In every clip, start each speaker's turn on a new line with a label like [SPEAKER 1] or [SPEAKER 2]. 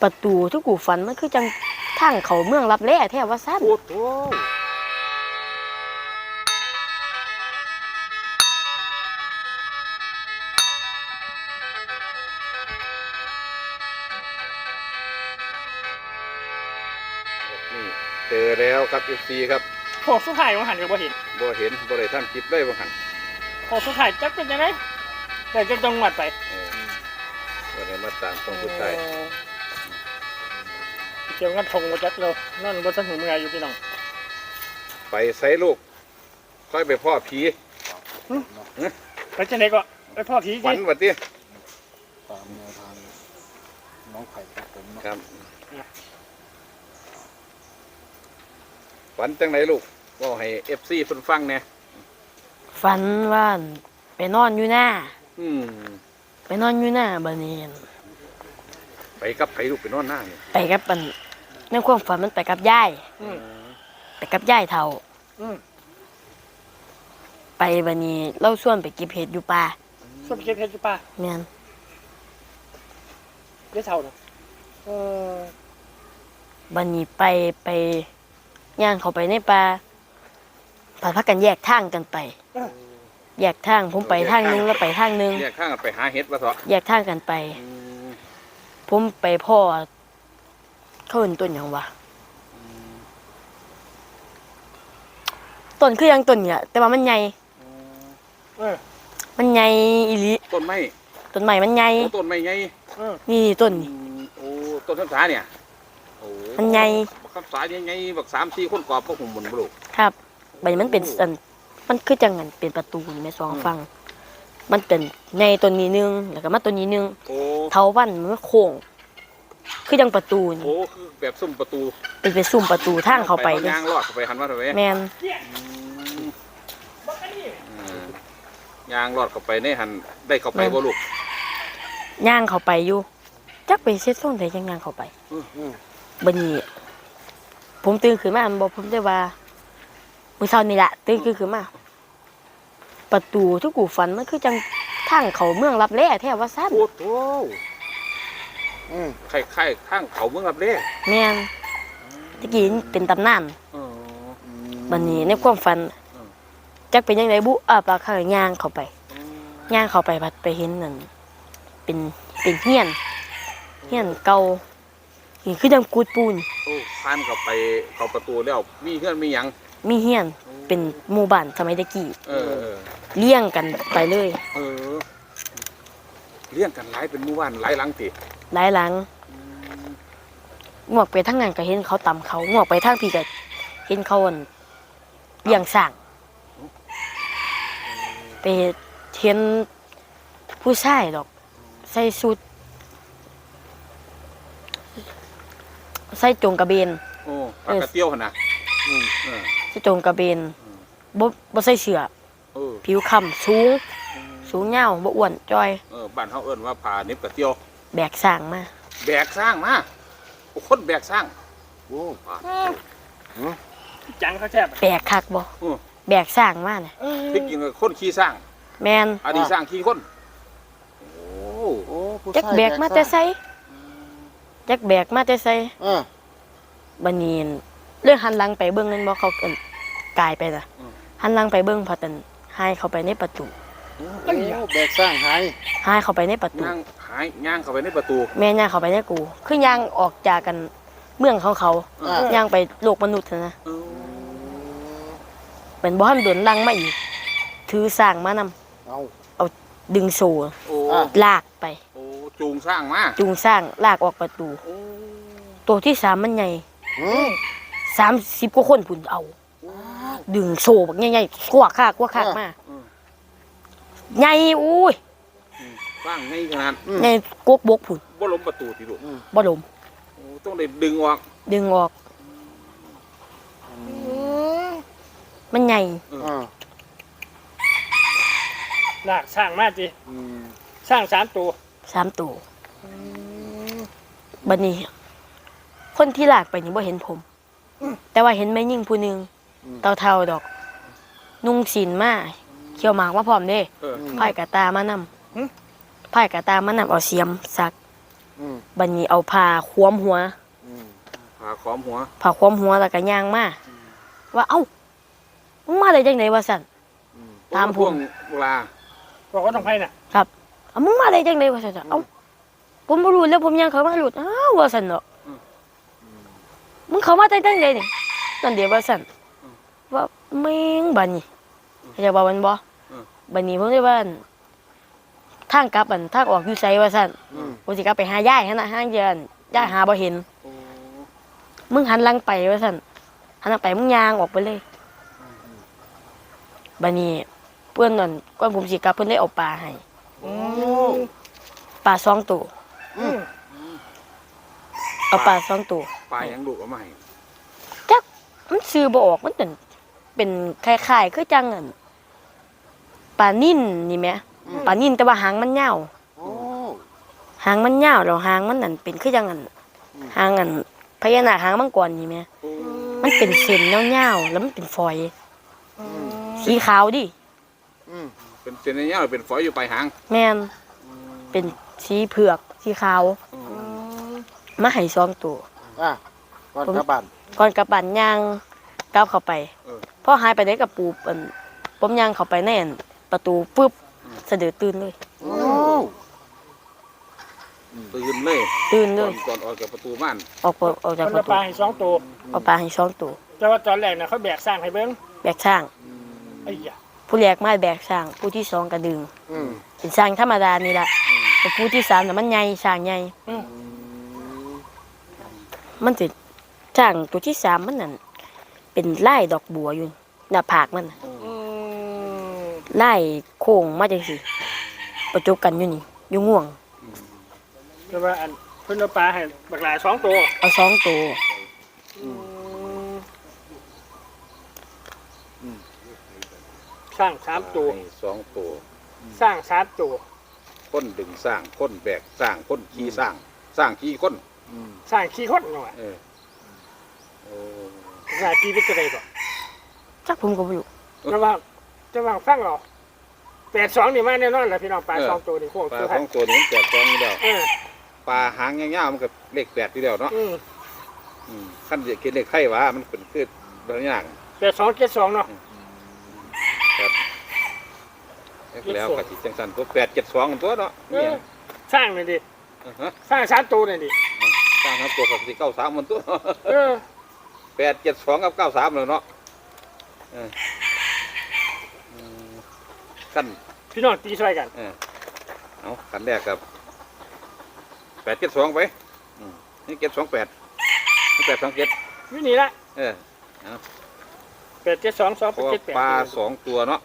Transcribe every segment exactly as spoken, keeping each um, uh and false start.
[SPEAKER 1] ประตูที่กูฝันมันคือจังทางเขาเมืองลับแลแท้ว่าซั่น
[SPEAKER 2] โอ้โหนี่เจอแล้วครับ เอฟ ซี ครับ
[SPEAKER 3] พอสุดท้ายว่าหันก็บ่เห็น
[SPEAKER 2] บ่เห็นบ่ได้ทำคลิปได้บ่หัน
[SPEAKER 3] พอสุดท้ายจักเป็นยังไงแต่จะจังหวัดไป
[SPEAKER 2] เออบ่ได้มาตามตรงสุดท้าย
[SPEAKER 3] เกี่ยวกับทงบ่จักเรานั่นบ่ทันหูเมื่อยอยู่พี่น้อง
[SPEAKER 2] ไปไสลูกค่อยไปพ่อผี
[SPEAKER 3] ไปจังได๋ก็ไปพ่อผี
[SPEAKER 2] ฝันว่าติ
[SPEAKER 4] ตามแนวทางน้องไข่ครับผม
[SPEAKER 2] ครับฝันจังไหนลูกก็ให้ เอฟ ซี เพิ่นฟังแหน่
[SPEAKER 1] ฝันว่าไปนอนอยู่หน้า
[SPEAKER 2] อืม
[SPEAKER 1] ไปนอนอยู่หน้าบัดนี้
[SPEAKER 2] ไปกับไผลูกไปนอนหน้านี่
[SPEAKER 1] ไปกับมันในความฝันมันไปกับยายไปกับยายเฒ่าไปบัดนี้เราชวนไปเก็บเห็ดอยู่ป่า
[SPEAKER 3] ชวนไปเก็บเห็ดอยู่ป่า
[SPEAKER 1] แม่น
[SPEAKER 3] ยายเฒ่าเนาะเออ
[SPEAKER 1] บัดนี้ไปไปย่างเข้าไปในป่าพาพักกันแยกทางกันไปแยกทางผมไปทางนึงแล้วไปทางนึง
[SPEAKER 2] แยกทางกันไปหาเห็ดว่าเถาะ
[SPEAKER 1] แยกทางกันไปผมไปพ่อเขาเอิ้นต้นหยังวะต้นคือยังต้นเนี่ยแต่ว่ามันใหญ่มันใหญ่อีหลี
[SPEAKER 2] ต้นไม้
[SPEAKER 1] ต้นไม้มันใหญ่
[SPEAKER 2] ต้นไม้ใหญ่
[SPEAKER 1] นี่ต้นนี่
[SPEAKER 2] โอ้ต้นข้าวสาเนี่ยโอ้
[SPEAKER 1] มันใหญ่
[SPEAKER 2] ข้าวสาใหญ่ๆบักสามสี่คนกอบพวกหุ่มบนบ่ลูก
[SPEAKER 1] ครับใบมันเป็นอันมันคือจังงั้นเป็นประตูนี่แม่สองฝั่งมันเป็นในต้นนี้นึงแล้วก็มาต้นนี้นึงเถาวัลย์มันโค้งคือจังประตูนี่
[SPEAKER 2] โอ้คือแบบซุ้มประตู
[SPEAKER 1] เป็นเป็นซุ้มประตูทางเข้าไป
[SPEAKER 2] เลยย่างลอดเข้าไปหันมาเถอะเว้ย
[SPEAKER 1] แม่น
[SPEAKER 2] ย่างลอดเข้าไปในหันได้เข้าไปบ่ลูก
[SPEAKER 1] ย่างเข้าไปอยู่จักไปเซ็ตส่งได้จังย่างเข้าไปบัดนี้ผมตื่นขึ้นมาบ่ผมได้ว่ามื้อเช้านี่ล่ะตื่นขึ้นมาประตูที่กูฝันมันคือจังทางเขาเมืองลับแลแท้ว่าซั่น
[SPEAKER 2] โอ้โธ่อือคล้ายๆทางเขาเมืองลับแล
[SPEAKER 1] แม่นตะกี้เป็นตำนานอ๋อบัดนี้ในความฝันจักเป็นจังไดบุอ่าปากข้างย่างเข้าไปย่างเข้าไปบัดไปเห็นนั่นเป็นเป็นเฮียนเฮียนเก่านี่คือจังกูดปูน
[SPEAKER 2] โอ้ผ่านเข้าไปเข้าประตูแล้วมีเฮือนมีหยัง
[SPEAKER 1] มีเฮียนเป็นหมู่บ้านสมัยตะกี้
[SPEAKER 2] เออ
[SPEAKER 1] เลี้ยงกันไปเลย
[SPEAKER 2] เออเลี้ยงกันหลายเป็นหมู่บ้านหลายหลังติ
[SPEAKER 1] หลายหลังงวกไปทางนั้นก็เห็นเขาตำเขางวกไปทางพี่ก็เห็นเขาเลี้ยงสร้างไปเห็นผู้ชายดอกใส่ชุดใส่จงกระเบน
[SPEAKER 2] โอ้ปากกระเตี้ยวหั่นน่ะอืมเออ
[SPEAKER 1] ใส่จงกระเบนบ่บ่ใส่เสื้อเออผิวค้ำสูงสูงยาวบ่อ้วนจ้อย
[SPEAKER 2] เออบ้านเฮาเอิ้นว่าผ้าเน็บกระเตี้ยว
[SPEAKER 1] แบกสร้างมา
[SPEAKER 2] แบกสร้างมาโอ้คนแบกสร้างโอ้
[SPEAKER 3] จังเขาแซ่บ
[SPEAKER 1] แบกคักบ่แบกสร้างมาเนี่ย
[SPEAKER 2] ที่จริงคนขี่สร้าง
[SPEAKER 1] แม่น
[SPEAKER 2] อันนี้สร้างขี่คนโอ้
[SPEAKER 1] โอ้จักแบกมาแต่ไสจักแบกมาแต่ไสเออบัดนี้เรื่องหันหลังไปเบิ่งนั่นบ่เขาเอิ้นกายไปน่ะหันหลังไปเบิ่งพอตันหายเข้าไปในประตู
[SPEAKER 4] โอ้แบกสร้างหาย
[SPEAKER 1] หายเข้าไปในประตู
[SPEAKER 2] ย่างหายย่างเข้าไปในประตู
[SPEAKER 1] แม่ย่างเข้าไปในกูคือย่างออกจากกันเมืองของเขาย่างไปโลกมนุษย์นะเป็นบ่ทันโดนลังมาอีกถือสร้างมานำเอาเอาดึงโซ่ลากไป
[SPEAKER 2] โอ้จูงสร้างมา
[SPEAKER 1] จูงสร้างลากออกประตูตัวที่สามมันใหญ่สามสิบกว่าคนพุ่นเอาดึงโซ่บักใหญ่ๆกวักคากกวักคากมาใหญ่อุ้ย
[SPEAKER 2] สร้างใหญ่ขนาด
[SPEAKER 1] ใหญ่กกบกพุ่น
[SPEAKER 2] บ่ล้มประตูติลูก
[SPEAKER 1] บ่ล้ม
[SPEAKER 2] โอ้ต้องได้ดึงออก
[SPEAKER 1] ดึงออกมันใหญ่
[SPEAKER 3] ลากสร้างมาจิสร้างสามตัว
[SPEAKER 1] สามตัวบัดนี้คนที่ลากไปนี่บ่เห็นผมแต่ว่าเห็นแม่ยิ่งผู้นึงเท่าๆดอกนุ่งศีลมาเขียวหมากมาพร้อมเด้ไผ่กะตามานำไผ่กะตามานำเอาเสียมสัก
[SPEAKER 4] อืม
[SPEAKER 1] บัดนี้เอาผ้าคล้อมหัว
[SPEAKER 4] อืม
[SPEAKER 2] ผ่าขอมหัว
[SPEAKER 1] ผ้าคล้อมหัวแล้วก็ย่างมาว่าเอ้ามึงมาได้จังไดวะสั่น
[SPEAKER 4] อืม
[SPEAKER 1] ตามผม
[SPEAKER 2] ช่วงเวลา
[SPEAKER 3] บอกว่าต้องไปน่ะ
[SPEAKER 1] ครับเอามึงมาได้จังไดวะสั่นเอ้าผมบ่รู้แล้วผมย่างเข้ามาหลุดอ้าวว่าสั่นเนาะ
[SPEAKER 4] อืม
[SPEAKER 1] มึงเข้ามาได้จังไดนี่นั่นเดี๋ยวว่าสั่นว่าแม่งบัดนี้เข้าใจว่ามันบ่บัดนี้ผมได้ว่าอั่นทางกลับอันทางออกอยู่ไสว่าสั่น
[SPEAKER 4] อืม
[SPEAKER 1] ผมสิกลับไปหายายหั่นน่ะห้างเดือนยายหาบ่เห็น
[SPEAKER 2] โอ้
[SPEAKER 1] มึงหันหลังไปว่าสั่นหันหลังไปมึงย่างออกไปเลยบัดนี้เพื่อนนั่นก่อนผมสิกลับเพิ่นได้เอาปลาให้
[SPEAKER 4] โอ้
[SPEAKER 1] ปลาสองตัว
[SPEAKER 3] อืม
[SPEAKER 1] เอาปลาสองตัว
[SPEAKER 2] ปลายังดุเอามาให้
[SPEAKER 1] จักมันซื้อบ่ออกมันเป็นเป็นคล้ายๆคือจังอั่นปลานิ่นนี่แหมปลานิ่นแต่ว่าหางมันยาว
[SPEAKER 4] โอ้
[SPEAKER 1] หางมันยาวแล้วหางมันนั่นเป็นคือจังอั่นหางอั่นพญานาคหางมังกรนี่แหม
[SPEAKER 2] โอ้
[SPEAKER 1] มันเป็นเส้นยาวๆแล้วมันเป็นฝอย สีขาวดิ
[SPEAKER 4] อืม
[SPEAKER 2] เป็นเส้นเงี้ยเป็นฝอยอยู่ปลายหาง
[SPEAKER 1] แม่นเป็นสีเผือกสีขาวมาให้สองตัว
[SPEAKER 4] อ่ะก่อนกลับบ้าน
[SPEAKER 1] ก่อนกลับบ้านย่างก้าวเข้าไป
[SPEAKER 2] เออ
[SPEAKER 1] พอหายไปได้กับปูอันผมย่างเข้าไปแน่นประตูปุ๊บสะดือตื่นเลย
[SPEAKER 4] โอ้
[SPEAKER 2] ตื่นเลย
[SPEAKER 1] ตื่นเล
[SPEAKER 2] ก่อย นก่อนออกจากประตูบ้าน
[SPEAKER 1] ออกไปออกจาก
[SPEAKER 3] มัน
[SPEAKER 1] ประ
[SPEAKER 3] เอา
[SPEAKER 1] ตู
[SPEAKER 3] ปลาให้สองตัว
[SPEAKER 1] เอาปลาให้สองตัว
[SPEAKER 3] แต่ว่าตอนแรกน่ะเขาแบกสร้างให้เบิ่ง
[SPEAKER 1] แบกช่าง
[SPEAKER 3] ไอ้ยะ
[SPEAKER 1] ผู้แรกมาแบกช่าง ผู้ที่สองกระดึง
[SPEAKER 4] อืม
[SPEAKER 1] เป็นช่างธรรมดานี่แหละแต่ผู้ที่สามน่ะมันใหญ่ช่างใหญ่
[SPEAKER 3] อืม
[SPEAKER 1] มันสิช่างตัวที่สามมันนั่นเป็นลายดอกบัวอยู่หน้าผากมันน่ะ
[SPEAKER 3] อืม
[SPEAKER 1] ลายโค้งมาจังซี่ประจบกันอยู่นี่อยู่ง่วง
[SPEAKER 3] แต่ว่าอันเพิ่นเอาปลาให้บักหลายสองตัว
[SPEAKER 1] เอาสองตัว
[SPEAKER 3] อืมสร้างสามตัว
[SPEAKER 2] ให้สองตัว
[SPEAKER 3] สร้างสามตัว
[SPEAKER 2] ค้นดึงสร้างค้นแบกสร้างค้นขี่สร้าง สร้างขี่ค้น
[SPEAKER 4] อืม
[SPEAKER 3] สร้างขี้คนหน่อย
[SPEAKER 2] เออโอ้
[SPEAKER 3] สร้างขี้เป็นจะได้บ่
[SPEAKER 1] จักผมก็บ่รู้
[SPEAKER 3] แต่ว่าแต่ว่าฟังเอาแปดสองนี่มาแน่นอนแหละพี่น้องปลาสองตัวนี่โค้ง
[SPEAKER 2] ปลา
[SPEAKER 3] ตัว
[SPEAKER 2] ส
[SPEAKER 3] ให้
[SPEAKER 2] องตัวนี้แปดสองอยู่แล้ว
[SPEAKER 3] เออ
[SPEAKER 2] ปลาหางยาวๆมันก็เลขแปดอยู่แล้วเนาะ
[SPEAKER 3] อืม
[SPEAKER 2] อืมขั้นจะคิดเลขไข่หวามันเป็นคือบางอย่าง
[SPEAKER 3] แปดสองเจ็ดสองเนาะ
[SPEAKER 2] ครับแล้วกะจิจังสันตัวแปดเจ็ดสองตัวเนาะ
[SPEAKER 3] เอ
[SPEAKER 2] เนี่ย
[SPEAKER 3] อสร้างหน่อยดิ
[SPEAKER 2] อ่าฮะ
[SPEAKER 3] สร้างสามตัวหน่อยดิ
[SPEAKER 2] สร้างครับตัวกับสี่เก้าสามมันตัว
[SPEAKER 3] เออ
[SPEAKER 2] แปดเจ็ดสองกับเก้าสามเลยเนาะเอออืมขั้น
[SPEAKER 3] พี่น้องตีช่วยกัน
[SPEAKER 2] เออเอาขั้นแรกกับแปดเจ็ดสองไปอืมนี่เจ็ดสองแปดนี่แปดสองเจ็ด
[SPEAKER 3] วินี่ละ
[SPEAKER 2] เออ
[SPEAKER 3] แปดเจ็ดสองสอง
[SPEAKER 2] เพ
[SPEAKER 3] เป็น
[SPEAKER 2] ราะว่า
[SPEAKER 3] เจ็ดแปด
[SPEAKER 2] ปลาสองตัวเนาะ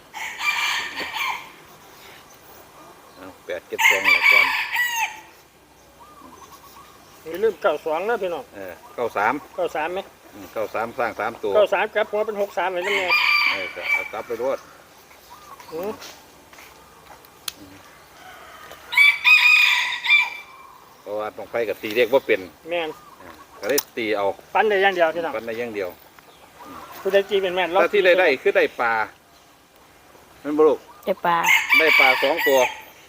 [SPEAKER 2] เอาแปดเจ็ดสองละก่อน
[SPEAKER 3] อย่าลืมเก้าสองนะพี่น้อง
[SPEAKER 2] เออเก้าสาม
[SPEAKER 3] เก้าสามไหม
[SPEAKER 2] อืมเก้าสามสร้างสามตัว
[SPEAKER 3] เก้าสามกลับหัวเป็นหกสามเลยนั่นไง
[SPEAKER 2] เออก็เอากลับไปรวด
[SPEAKER 3] อืม
[SPEAKER 2] เพราะว่าต้องไปกับตีเรียกว่าเป็น
[SPEAKER 3] แม่น
[SPEAKER 2] ก็ได้ตีเอา
[SPEAKER 3] ปั้นได้อย่างเดียวพี่น้อง
[SPEAKER 2] กันได้อย่างเดียว
[SPEAKER 3] ผู้ใดจีเป็นแม่น
[SPEAKER 2] ถ้าที่ได้ได้คือได้ปลานั่นบลูก
[SPEAKER 1] ได้ปลา
[SPEAKER 2] ได้ปลาสองตัว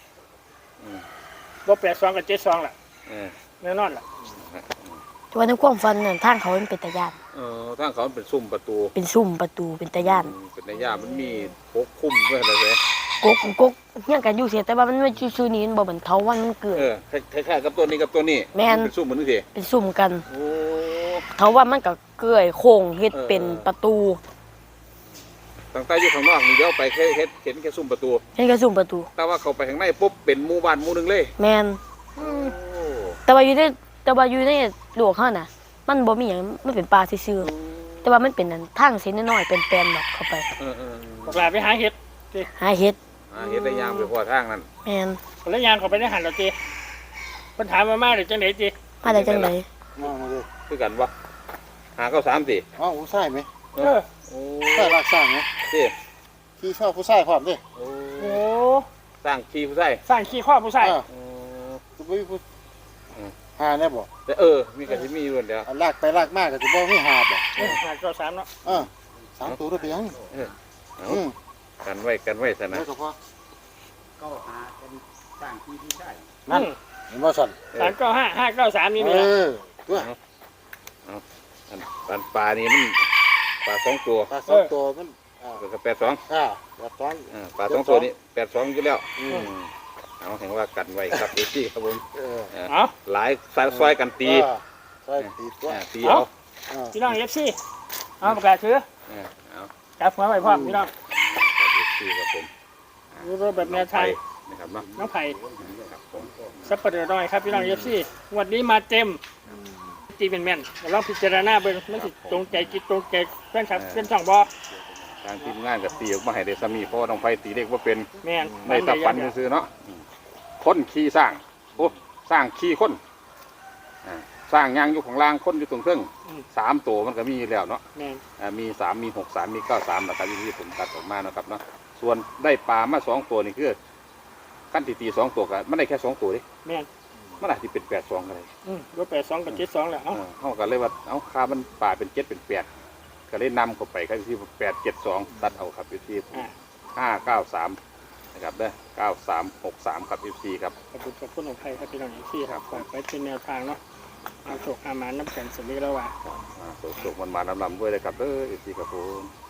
[SPEAKER 3] บ่แปดสองกับเจ็ดสองล่ะ
[SPEAKER 2] เออ
[SPEAKER 3] แน่นอนล่ะ
[SPEAKER 1] แต่ว่าในความฝันนั่นทางเขามันเป็นตะย่าน
[SPEAKER 2] เออทางเขาเป็นซุ่มประตู
[SPEAKER 1] เป็นซุ่มประตูเป็นตะย่าน
[SPEAKER 2] อืมเป็นในย่ามันมีพกคุ้มด้วยนะเซ่
[SPEAKER 1] กกกกเฮียงกันอยู่เสียแต่ว่ามันไม่ชื่อๆนี้มันบ่เหมือนเทาวันมันเกิด
[SPEAKER 2] เออคล้ายๆกับตัวนี้กับตัวนี้
[SPEAKER 1] แม่น
[SPEAKER 2] เป็นซุ่มเหมือนนี่สิ
[SPEAKER 1] เป็นซุ่มกัน
[SPEAKER 2] โอ้
[SPEAKER 1] เทาว่ามันก็เกลื่อยโค้งเฮ็ด
[SPEAKER 2] เออ
[SPEAKER 1] เป็นประตู
[SPEAKER 2] ตั้งแต่อยู่ข้างนอกนี่เดี๋ยวไปแค่เห็นเห็นแค่ซุ่มประตู
[SPEAKER 1] เฮ็ดกระซุ่มประตู
[SPEAKER 2] แต่ว่าเขาไปข้างในปุ๊บเป็นหมู่บ้านหมู่หนึงเลย
[SPEAKER 1] แม่น
[SPEAKER 2] โอ้
[SPEAKER 1] แต่ว่าอยู่ในแต่ว่าอยู่ในหลวงเขาน่ะ มันบ่มีหยังมันเป็นป่าซื่อๆแต่ว่ามันเป็นอันทางเส้นน้อยๆเป็นแปลนแบบเข้าไป
[SPEAKER 2] เออเออ
[SPEAKER 3] บักหลาไปหาเห็ด
[SPEAKER 1] หาเฮ็ด
[SPEAKER 2] อ่าเห็นได้ยางไปพอทางนั้น
[SPEAKER 1] แม่น
[SPEAKER 3] แล้วยางเขาไปในหันเราจีปัญหามมามาเลยจังไหนจี
[SPEAKER 1] มาได้จังได๋
[SPEAKER 4] น้องมาเลย
[SPEAKER 2] คือกันวะหาเก้าสามสิ
[SPEAKER 4] อ้าวผู้ชายไหม
[SPEAKER 3] เออ
[SPEAKER 2] โอ้
[SPEAKER 4] ใช่รักสร้างไหม
[SPEAKER 2] สิ
[SPEAKER 4] ที่ชอบผู้ชายพร้อมดิ
[SPEAKER 2] โอ้
[SPEAKER 3] โอ้
[SPEAKER 2] สร้างขี้ผู้ใส่
[SPEAKER 3] สร้างขี้ข้อผู้ชาย
[SPEAKER 4] เออ
[SPEAKER 2] โอ้
[SPEAKER 4] จะไม่ผู้หาได้บ่
[SPEAKER 2] แต่เออ มีกันที่มีอยู่เดียว
[SPEAKER 4] เอาลากไปลากมากก็จะบ่มีหาบ่
[SPEAKER 3] เออหาเก้าสามเนาะ
[SPEAKER 4] เออสามตัวได้ไปยัง
[SPEAKER 2] เออเอา
[SPEAKER 4] อืม
[SPEAKER 2] กันไว้กันไว้ซะนะ
[SPEAKER 4] แล้วก็พอ
[SPEAKER 5] ก็หาเป็นสร้างที่ที่ใช่
[SPEAKER 4] นั่น
[SPEAKER 3] อืม
[SPEAKER 2] อ
[SPEAKER 4] เห็นว่าสั่น
[SPEAKER 3] สามเก้าห้าห้าเก้าสามนี่
[SPEAKER 4] เอ
[SPEAKER 3] นี่แหละ
[SPEAKER 4] อตัว
[SPEAKER 2] อันอันปลานี่มันปลาสองตัว
[SPEAKER 4] ปลาสองตัวมันอ่า
[SPEAKER 2] ก็แปดสอง
[SPEAKER 4] อ่าปลาสอง
[SPEAKER 2] อ่าปลาสองตัวนี้แปดสองอยู่แล้ว
[SPEAKER 4] อืม
[SPEAKER 2] เอาเห็นว่ากันไว้ครับเอซี่ครับผม
[SPEAKER 4] เออ
[SPEAKER 2] เออ
[SPEAKER 3] เอา
[SPEAKER 2] หลายซอยซอยกันตี
[SPEAKER 4] อ่าใช่ตีตัว
[SPEAKER 2] อ่าตีเอา
[SPEAKER 4] อ่า
[SPEAKER 3] พี่น้องเอฟซีเอาประกาศถือ
[SPEAKER 2] เออเอา
[SPEAKER 3] จับหัวไปพร้อมพี่น้อง
[SPEAKER 2] ครับเอซี่ครับผม
[SPEAKER 3] รูปแบบแนวทาง
[SPEAKER 2] นะครับเนาะ
[SPEAKER 3] น้องไผ่
[SPEAKER 2] ครับผม
[SPEAKER 3] สับปะเดอน้อยครับพี่น้องเอฟซีวันนี้มาเต็ม
[SPEAKER 4] อืม
[SPEAKER 3] ตีเป็นแม่นๆลองพิจารณาเบิ่งมันสิตรงใจจิตตรงใจแฟนคลับเป็นช่องบอ
[SPEAKER 2] ทางทีมงานกับตีออกมาให้ได้สามีเพราะว่าน้องไฟตีเด็กว่าเป็น
[SPEAKER 3] แม่น
[SPEAKER 2] ได้แตับฟันซื้อๆเนาะคนขี่สร้างโอ้สร้างขี่คนอ่าสร้างยางอยู่ของล่างคนอยู่ตรงเครื่องสามตัวมันก็มีอยู่แล้วเนาะ
[SPEAKER 3] แม่น
[SPEAKER 2] อ่ามีสามมีหกสามมีเก้าสามนะครับที่ผมตัดออกมานะครับเนาะส่วนได้ปลามาสองตัวนี่คือขั้นตีตีสองตัวกันมันได้แค่สองตัวดิ
[SPEAKER 3] แม่น
[SPEAKER 2] มันอาจจะเป็นแปดสองกันเลย
[SPEAKER 3] อืมรถแปดสองกับเจ็ดสองแหละเอ้า
[SPEAKER 2] เขากันเลยว่าเอาค่ามันปลาเป็นเจ็ดเป็นแปดก็เลยนำเข้าไปครับที่แปดเจ็ดสองตัดเอาครับอยู่ที่
[SPEAKER 3] อ่า
[SPEAKER 2] ห้าเก้าสามนะครับเด้อเก้าสามหกสามครับเอฟซีครับ
[SPEAKER 3] ขอบคุณขอบคุณของไผ่ครับพี่น้องเอฟซีครับฝากไว้เป็นแนวทางเนาะเอาโชคอาหมานน้ำแข็งสวัสดีแล้วว่า
[SPEAKER 2] อ่าสุกๆมันมาลำๆด้วยเลยครับเด้อเอฟซีครับผม